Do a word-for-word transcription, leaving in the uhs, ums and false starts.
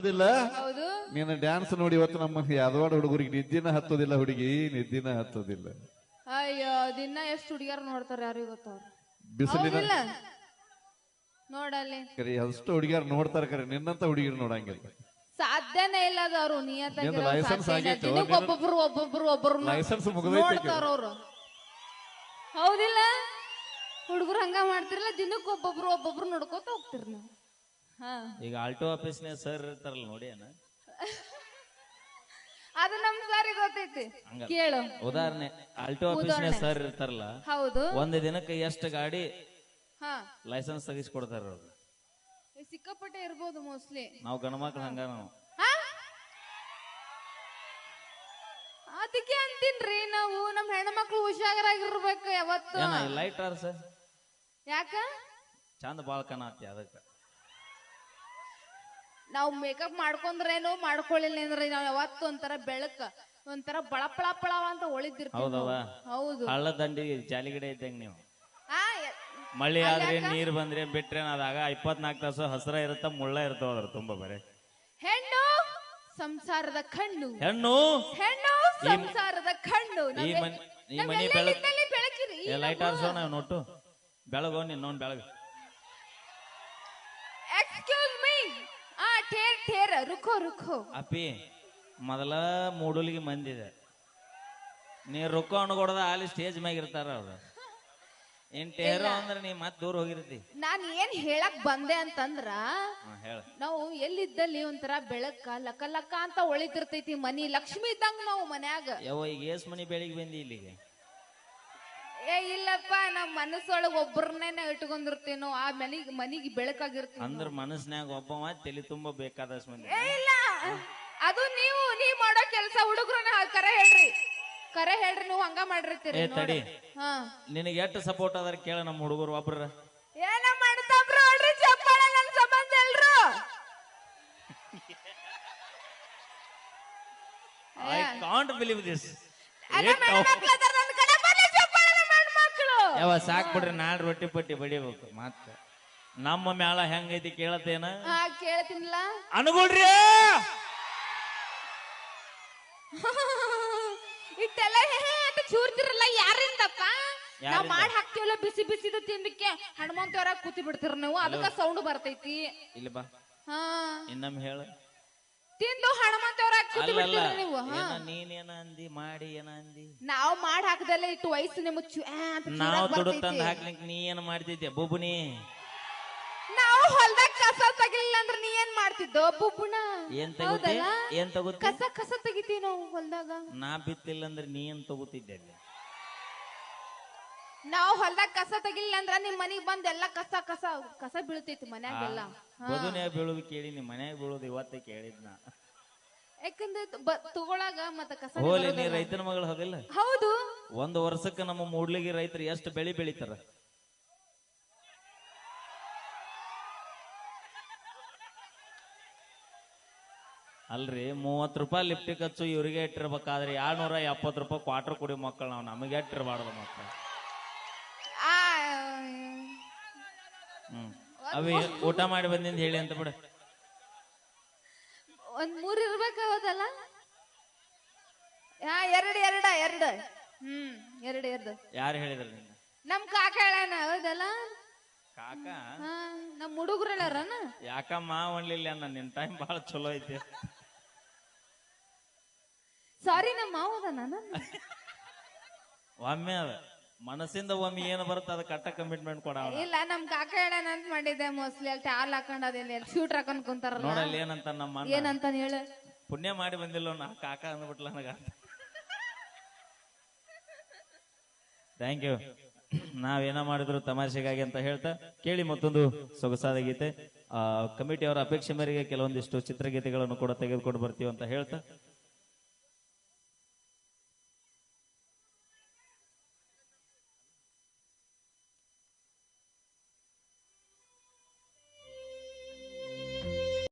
ಹೌದು ನೀನು ಡ್ಯಾನ್ಸ್ ನೋಡಿ ಇವತ್ತು ನಮ್ಮ ಯಾದವಾಡ ಹುಡುಗರಿಗೆ ನಿದ್ದಿನ ಹತ್ತೋದಿಲ್ಲ, ಹುಡುಗಿ ನಿದ್ದಿನ ಹತ್ತೋದಿಲ್ಲ. ಅಯ್ಯೋ ದಿನ ಎಷ್ಟು ಹುಡುಗಿಯರು ನೋಡ್ತಾರೆ ಯಾರಿಗೂ ಗೊತ್ತವ್ರು ಬಿಸಿಲಿನ ನೋಡಲ್ಲಿ ಕರಿ ಅಷ್ಟು ಹುಡುಗಿಯರು ನೋಡ್ತಾರ, ಕರೆ ನಿನ್ನಂತ ಹುಡುಗಿರು ನೋಡಂಗಿಲ್ಲ. ಸಾಧ್ಯನೇ ಇಲ್ಲ ಅದು. ಅವ್ರು ನಿಯತ್ತಾಗಿ ಲೈಸೆನ್ಸ್ ಆಗೈತೆ, ಒಬ್ಬೊಬ್ರು ಒಬ್ಬೊಬ್ರು ಒಬ್ಬರು ಲೈಸೆನ್ಸ್ ನೋಡ್ತಾರ ಅವ್ರು. ಹೌದಿಲ್ಲ ಹುಡುಗರು ಹಂಗ ಮಾಡ್ತಿರಲ್ಲ, ದಿನಕ್ಕೆ ಒಬ್ಬೊಬ್ರು ಒಬ್ಬೊಬ್ರು ನೋಡ್ಕೋತ ಹೋಗ್ತಿರ್ ನಾವು. ಈಗ ಆಲ್ಟೋ ಆಫೀಸ್ನ ಸರ್ ಇರ್ತಾರಲ್ಲ ನೋಡಿ ಅಣ್ಣ, ಅದು ನಮ್ ಸಾರಿ ಗೊತ್ತೈತಿ ಕೇಳು. ಉದಾಹರಣೆ ಆಲ್ಟೋ ಆಫೀಸ್ನ ಸರ್ ಇರ್ತಾರಲ್ಲ, ಹೌದು ಒಂದ್ ದಿನಕ್ಕೆ ಎಷ್ಟು ಗಾಡಿ ಹಾ ಲೈಸೆನ್ಸ್ ತೆಗಿಸ್ಕೊಡ್ತಾರ ಅವ್ರು. ಸಿಕ್ಕಾಪಟ್ಟೆ ಇರ್ಬೋದು ಮೋಸ್ಟ್ಲಿ. ನಾವು ಗಣಮಕ್ಳು ಹಂಗ ನಾವು ಅದಕ್ಕೆ ಅಂತೀನ್ರಿ, ನಾವು ನಮ್ ಹೆಣ್ಮಕ್ಳು ಹುಷಾರಾಗಿರ್ಬೇಕು ಯಾವತ್ತು. ಲೈಟ್ ಆರ್ ಸರ್ ಯಾಕ ಚಂದ ಬಾಳ್ ಕಾಣತಿ ಅದಕ್ಕ. ನಾವು ಮೇಕಪ್ ಮಾಡ್ಕೊಂಡ್ರೇನು ಮಾಡ್ಕೊಳ್ಳಿಲ್ಲ ಅಂದ್ರೆ ನಾವ್ ಯಾವತ್ತು ಒಂಥರ ಬೆಳಕ ಒಂಥರ ಬಳಪಳ ಪಳವ ಅಂತ ಒಳಿದಿರ್ತೀವಿ. ಹೌದವ ಹೌದು ಹಳ್ಳ ದಂಡಿ ಜಾಲಿಗಡೆ ಇದ್ದಂಗ ನೀವು. ಆ ಮಳಿ ಆದ್ರೆ ನೀರ್ ಬಂದ್ರೆ ಬಿಟ್ರೆ ಅದಾಗ ಇಪ್ಪತ್ನಾಲ್ಕು ತಾಸು ಹಸರ ಇರುತ್ತ, ಮುಳ್ಳ ಇರ್ತಾವ ಅದ್ರ ತುಂಬಾ ಬರೇ. ಹೆಣ್ಣು ಸಂಸಾರದ ಕಣ್ಣು, ಹೆಣ್ಣು ಹೆಣ್ಣು ಸಂಸಾರದ ಕಣ್ಣು. ಈ ಮನಿ ಈ ಮನಿ ಬೆಳಕು ಲೈಟ್ ಆರ್ಸೋ ನಾವು ನೋಟು ಬೆಳಗೋ ನಿನ್ನೊಂದ್ ಬೆಳಗ್. ಎಕ್ಸ್ಕ್ಯೂಸ್ ಮೀ, ಆ ಠೇರ್ ಠೇರ್ ರುಖೋ ರುಖೋ. ಅಪ್ಪಿ ಮೊದಲ ಮೂಡಲಿಗೆ ಮಂದಿದೆ, ನೀ ರೊಕ್ಕ ಅನ್ಕೊಡದ ಅಲ್ಲಿ ಸ್ಟೇಜ್ ಮ್ಯಾಗ ಇರ್ತಾರ ಅವ್ರು. ಏನ್ ಟೇರೋ ಅಂದ್ರೆ ನೀ ಮತ್ ದೂರ ಹೋಗಿರ್ತಿ. ನಾನ್ ಏನ್ ಹೇಳಕ್ ಬಂದೆ ಅಂತಂದ್ರ, ಹೇಳ ನಾವು ಎಲ್ಲಿದ್ದಲ್ಲಿ ಒಂಥರ ಬೆಳಕ ಲಕ ಲಕ ಅಂತ ಒಳಿತಿರ್ತೈತಿ ಮನಿ, ಲಕ್ಷ್ಮಿ ಇದ್ದಂಗ ನಾವು ಮನ್ಯಾಗ. ಯಾವ ಈಗ ಏಸ್ ಮನಿ ಬೆಳಿಗ್ಗೆ ಬಂದಿ ಇಲ್ಲಿಗೆ? ಏ ಇಲ್ಲಪ್ಪ, ನಮ್ ಮನಸ್ಸೊಳಗ ಒಬ್ಬರನ್ನೇ ಇಟ್ಕೊಂಡಿರ್ತೀವಿ ನಾವು, ಆ ಮನಿಗ್ ಮನಿಗೆ ಬೆಳಕಾಗಿರ್ತೀವಿ. ಅಂದ್ರ ಮನಸ್ನ್ಯಾಗ ಒಬ್ಬ ತಲೆ ತುಂಬಾ ಬೇಕಾದಷ್ಟು ಮಂದಿ. ಏ ಇಲ್ಲ, ಅದು ನೀವು ನೀವ್ ಮಾಡೋ ಕೆಲ್ಸ. ಹುಡುಗರನ್ನ ಕರೆ ಹೇಳ್ರಿ, ಕರೆ ಹೇಳ್ರಿ, ನೀವು ಹಂಗ ಮಾಡಿರ್ತೀರಿ. ತಡಿ, ನಿನಗೆ ಎಷ್ಟು ಸಪೋರ್ಟ್ ಅದಾರ ಕೇಳ ನಮ್ಮ ಹುಡುಗರು ಒಬ್ರ. ಏನ ಮಾಡ್ತಾವ್ರ ನೋಡ್ರಿ, ಚಪ್ಪಾಳೆ ನನ್ ಸಂಬಂಧ ಎಲ್ರು. I can't believe this. ಯಾವ ಸಾಕ್ ಬಿಡ್ರಿ, ನಾಳೆ ರೊಟ್ಟಿ ಪಟ್ಟಿ ಬಡಿಬೇಕು. ಮತ್ತ ನಮ್ಮ ಮ್ಯಾಲ ಹೆಂಗೈತಿ ಕೇಳತ್ತೇನ? ಕೇಳ್ತೀನಿಲ್ಲ ಅನುಗುಳ್ರಿ. ಇಟ್ಟೆಲ್ಲ ಅಂತ ಚೂರ್ತಿರಲ್ಲ ಯಾರಿಂದಪ್ಪ? ನಾವ್ ಮಾಡಿ ಹಾಕ್ತಿವಲ್ಲ ಬಿಸಿ ಬಿಸಿದ ತಿಂದಕ್ಕೆ ಹನುಮಂತವರ ಕೂತಿ ಬಿಡ್ತಿರ ನೀವು, ಅದಕ್ಕ ಸೌಂಡ್ ಬರ್ತೈತಿ. ಇಲ್ಲ ಬಾ, ಹಾ ಇನ್ನೊಮ್ಮೆ ಹೇಳ. ತಿಂದು ಹನುಮಂತವರ ಕೂತಿ ಬಿಡ್ತೀರ ನೀವು. ನೀನೇನ ಅಂದಿ, ಮಾಡಿ ಏನ ಅಂದಿ? ನಾವ್ ಮಾಡಿ ಹಾಕದಲ್ಲ ಇಟ್ಟು ವಯಸ್ಸು ನಿಮ್ ನಾವ್ ದುಡ್ಡು ತಂದ್ ಹಾಕ್ಲಿಕ್ ನೀ ಏನ್ ಮಾಡ್ತಿದ್ಯ ಬುಬುನಿ? ನಾವು ಹೊಲ್ದಾಗ ಕಸ ತಗಿಲಿಲ್ಲ ಅಂದ್ರೆ ನೀ ಏನ್ ಮಾಡ್ತಿದ್ದೋ ಬುಬ್ಬುಣ? ಏನ್ ತಗೋತಿ? ಏನ್ ತಗೋತಿ? ಕಸ ಕಸ ತೆಗಿತೀವಿ ನಾವು ಹೊಲ್ದಾಗ. ನಾ ಬಿತ್ತಿಲ್ಲ ಅಂದ್ರೆ ನೀ ಏನ್ ತಗೋತಿದ್ದೆ? ನಾವು ಹೊಲ್ದಾಗ ಕಸ ತೆಗಿಲಿಲ್ಲ ಅಂದ್ರ ನಿಮ್ ಮನಿಗ್ ಬಂದ್ ಎಲ್ಲಾ ಕಸ ಕಸ ಕಸ ಬೀಳ್ತೈತಿ ಮನ್ಯಾಗೆಲ್ಲ. ಬದುನ್ಯಾಗ ಬೀಳೋದು ಕೇಳಿ, ನಿಮ್ ಮನ್ಯಾಗ ಬೀಳೋದು ಇವತ್ತೇ ಕೇಳಿದ್ನ. ಯಾಕಂದ್ರೆ ತಗೊಳಾಗ ಮತ್ತ ಕಸ. ಹೋಲಿ, ನೀ ರೈತನ ಮಗಳು ಹೋಗಿಲ್ಲ? ಹೌದು. ಒಂದು ವರ್ಷಕ್ಕೆ ನಮ್ಮ ಮೂಡ್ಲಿಗೆ ರೈತರು ಎಷ್ಟು ಬೆಳಿ ಬೆಳಿತಾರ? ಅಲ್ರಿ, ಮೂವತ್ ರೂಪಾಯಿ ಲಿಫ್ಟಿ ಖರ್ಚು ಇವ್ರಿಗೆ ಇಟ್ಟಿರ್ಬೇಕಾದ್ರೆ ಎರಡ್ನೂರ ಎಪ್ಪತ್ತು ರೂಪಾಯಿ ಕ್ವಾರ್ಟರ್ ಕುಡಿ ಮಕ್ಕಳು ನಾವು, ನಮಗೆ ಇಟ್ಟಿರ್ಬಾರ್ದು ಮಕ್ಕಳು. ಹ್ಮ್ ಅವಿ ಊಟ ಮಾಡಿ ಬಂದಿಂದ ಹೇಳಿ ಅಂತ ಬಿಡ. ಒಂದ್ ಮೂರ್ ಇರ್ಬೇಕಾವದಲ್ಲ? ಎರಡ್ ಎರಡ ಎರಡ್ ಹ್ಮ್ ಎರಡ್ ಎರಡು. ಯಾರು ಹೇಳಿದ್ರ ನಿನ್ನ? ನಮ್ ಕಾಕ ಹೇಳಣ. ಹೌದಲ್ಲ ಕಾಕ? ನಮ್ ಹುಡುಗರು ಹೇಳಾರನ. ಯಾಕಮ್ಮ ಒಣ್ಲಿಲ್ಲ ಅನ್ನ, ನಿನ್ ಟೈಮ್ ಬಹಳ ಚಲೋ ಐತಿ. ಸಾರಿ, ನಮ್ಮ ಮಾವದ ನಾನು. ಒಮ್ಮೆ ಅದ ಮನಸ್ಸಿಂದ ಒಮ್ಮೆ ಏನು ಬರುತ್ತೆ ಅದ ಕಟ್ಟ ಕಮಿಟ್ಮೆಂಟ್ ಕೊಡ. ಇಲ್ಲ, ನಮ್ ಕಾಕ ಹೇಳಣ ಅಂತ ಮಾಡಿದ್ದೆ. ಮೋಸ್ಟ್ಲಿ ಅಲ್ಲಿ ಟಾಲ್ ಹಾಕೊಂಡ್ ಅದೇಲಿ ಶೂಟ್ ಹಾಕೊಂಡ್ ಕುಂತಾರಲ್ಲ. ನೋಡಲ್ಲಿ ಏನಂತ ನಮ್ಮ ಏನಂತ ಹೇಳ. ಪುಣ್ಯ ಮಾಡಿ ಬಂದಿಲ್ಲ ನಾ ಕಾಕ ಅಂದ್ಬಿಟ್ಲ ನನಗ. Thank you. ನಾವೇನ ಮಾಡಿದ್ರು ತಮಾಷೆಗಾಗಿ ಅಂತ ಹೇಳ್ತಾ ಕೇಳಿ ಮತ್ತೊಂದು ಸೊಗಸಾದ ಗೀತೆ. ಆ ಕಮಿಟಿ ಅವರ ಅಪೇಕ್ಷೆ ಮೇರೆಗೆ ಕೆಲವೊಂದಿಷ್ಟು ಚಿತ್ರಗೀತೆಗಳನ್ನು ಕೂಡ ತೆಗೆದುಕೊಂಡು ಬರ್ತೀವಿ ಅಂತ ಹೇಳ್ತಾ